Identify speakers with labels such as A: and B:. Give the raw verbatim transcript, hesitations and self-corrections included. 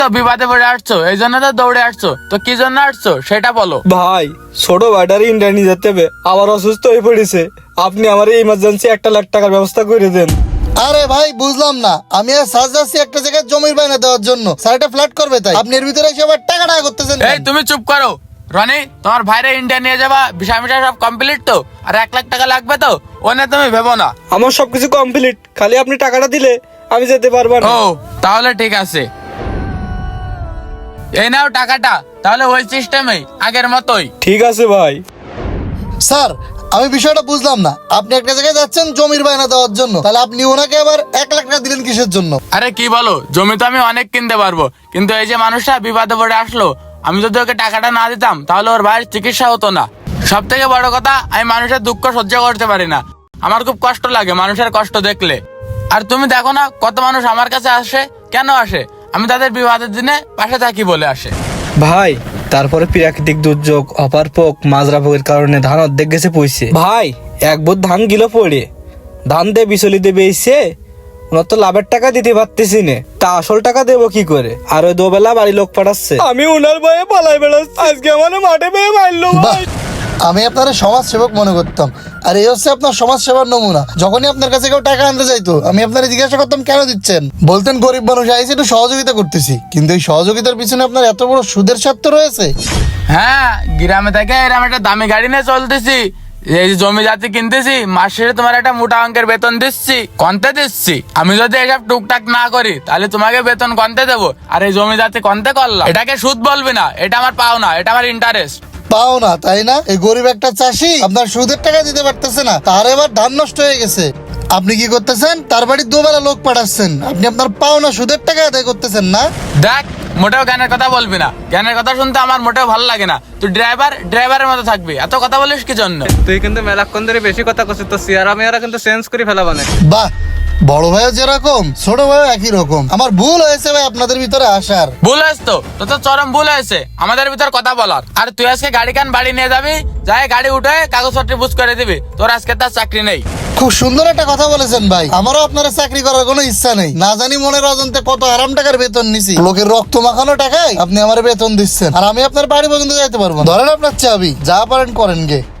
A: তো বিবাদে পড়ে আসছো, এই জন্য তো দৌড়ে আসছো। তো কি জন্য আসছো সেটা বলো।
B: ভাই ছোট ভাইটারে ইন্ডিয়া নিয়ে যেতে হবে, আবার অসুস্থ হয়ে পড়েছে। আপনি আমার ইমার্জেন্সি একটা লাখ টাকার ব্যবস্থা করে দেন।
C: আরে ভাই বুঝলাম না, আমি আর সাজ যাচ্ছি একটা জায়গায় জমির বায়না দেওয়ার জন্য, স্যার এটা ফ্ল্যাট করবে তাই আপনি এর ভিতরে এসে আবার টাকা টাকা করতেছেন।
A: এই তুমি চুপ করো রনি, তোমার ভাইরে ইন্ডিয়া নিয়ে যাবা, বিষয় মিশাই সব কমপ্লিট তো, আর এক লাখ টাকা লাগবে তো, ও নিয়ে তুমি ভেবো না।
B: আমার সবকিছু কমপ্লিট, খালি আপনি টাকাটা দিলে আমি যেতে পারবো না।
A: ও তাহলে ঠিক আছে, এই নাও টাকাটা, তাহলে ওই সিস্টেমেই আগের মতোই।
B: ঠিক আছে ভাই।
C: স্যার আমি বিষয়টা বুঝলাম না, আপনি একটা জায়গায় যাচ্ছেন জমির বায়না দেওয়ার জন্য, তাহলে আপনি ওনাকে আবার এক লাখ টাকা দিলেন কিসের জন্য?
A: আরে কি বলো, জমি তো আমি অনেক কিনতে পারবো, কিন্তু এই যে মানুষটা বিপদে পড়ে আসলো, আমি যদি ওকে টাকাটা না দিতাম তাহলে ওর ভাইয়ের চিকিৎসা হতো না। সব থেকে বড় কথা, আমি মানুষের দুঃখ সহ্য করতে পারি না, আমার খুব কষ্ট লাগে মানুষের কষ্ট দেখলে। আর তুমি দেখো না কত মানুষ আমার কাছে আসে, কেন আসে? আমি তাদের বিবাদের দিনে পাশে থাকি বলে আসে।
B: ভাই তারপরে প্রাকৃতিক দুর্যোগ, অপারপোক, মাজরা পোকের কারণে ধান অর্ধেক গেছে পয়সে। ভাই এক বোধ ধান গিলো পড়ে, ধান দিয়ে বিচলি দেবে এসে ওনার তো লাভের টাকা দিতে পারতেছি না, তা আসল টাকা দেবো কি করে? আর ওই দুবেলা বাড়ি লোক পাঠাচ্ছে, আমি ওনার ভয়ে পালাই বেড়াচ্ছি। আজকে আমার মাঠে পেয়ে মারলো ভাই।
C: আমি আপনার সমাজ সেবক মনে করতাম, আর এই হচ্ছে আপনার সমাজ সেবার নমুনা। যখনই আপনার কাছে কেউ টাকা আনতে যাইতো, আমি আপনার জিজ্ঞাসা করতাম কেন দিচ্ছেন, বলতেন গরিব মানুষ আইসি একটু সহযোগিতা করতেছি, কিন্তু এই সহযোগিতার পিছনে আপনার এত বড় সুদের স্বার্থ রয়েছে।
A: হ্যাঁ, গ্রামে থেকে এরকম একটা দামি গাড়ি নিয়ে চলতেছি, এই যে জমি জাতি কিনতেছি, মাস শেষে তোমার একটা মোটা অঙ্কের বেতন দিচ্ছি, কন্তে দিচ্ছি। আমি যদি এসব টুকটাক না করি তাহলে তোমাকে বেতন কন্তে দেবো, আর এই জমি জাতি কন্তে করলাম, এটাকে সুদ বলবি না, এটা আমার পাওনা, এটা আমার ইন্টারেস্ট।
C: পাও না তাই না? এই গরিব একটা চাষি আপনার সুদের টাকা দিতে পারতেছে না, তার এবার ধান নষ্ট হয়ে গেছে। আপনি কি করতেছেন? তার বাড়ি দুবেলা লোক পাঠাচ্ছেন, আপনি আপনার পাও না সুদের টাকা আদায় করতেছেন না।
A: দেখ, মোটেও জ্ঞানের কথা বলবি না, জ্ঞানের কথা শুনতে আমার মোটেও ভালো লাগে না। তুই ড্রাইভার, ড্রাইভারের মতো থাকবি, এত কথা বলিস কি জন্য?
D: তুই কিন্তু মেলাক্ষণ ধরে বেশি কথা করছিস, তো সিয়ারা মেয়ারা কিন্তু চেঞ্জ করে ফেলা মানে।
C: বাহ, বড় ভাইও যেরকম ছোট ভাইও একই রকম। আমার ভুল হয়েছে ভাই আপনাদের ভিতরে আসার।
A: ভুল হয়েছে তো, তো তো চরম ভুল হয়েছে আমাদের ভিতর কথা বলার। আর তুই আজকে গাড়ি কান বাড়ি নিয়ে যাবি, যাই গাড়ি উঠে কাগজপত্র বুঝ করে দিবি, তোর আজকে তার চাকরি নেই।
C: খুব সুন্দর একটা কথা বলেছেন ভাই, আমারও আপনারা চাকরি করার কোনো ইচ্ছা নেই। না জানি মনের অজান্তে কত আরাম টাকার বেতন নিছি, লোকের রক্ত মাখানো টাকায় আপনি আমার বেতন দিচ্ছেন, আর আমি আপনার বাড়ি পর্যন্ত যাইতে পারবো না। ধরেন আপনার চাবি, যা পারেন করেন গে।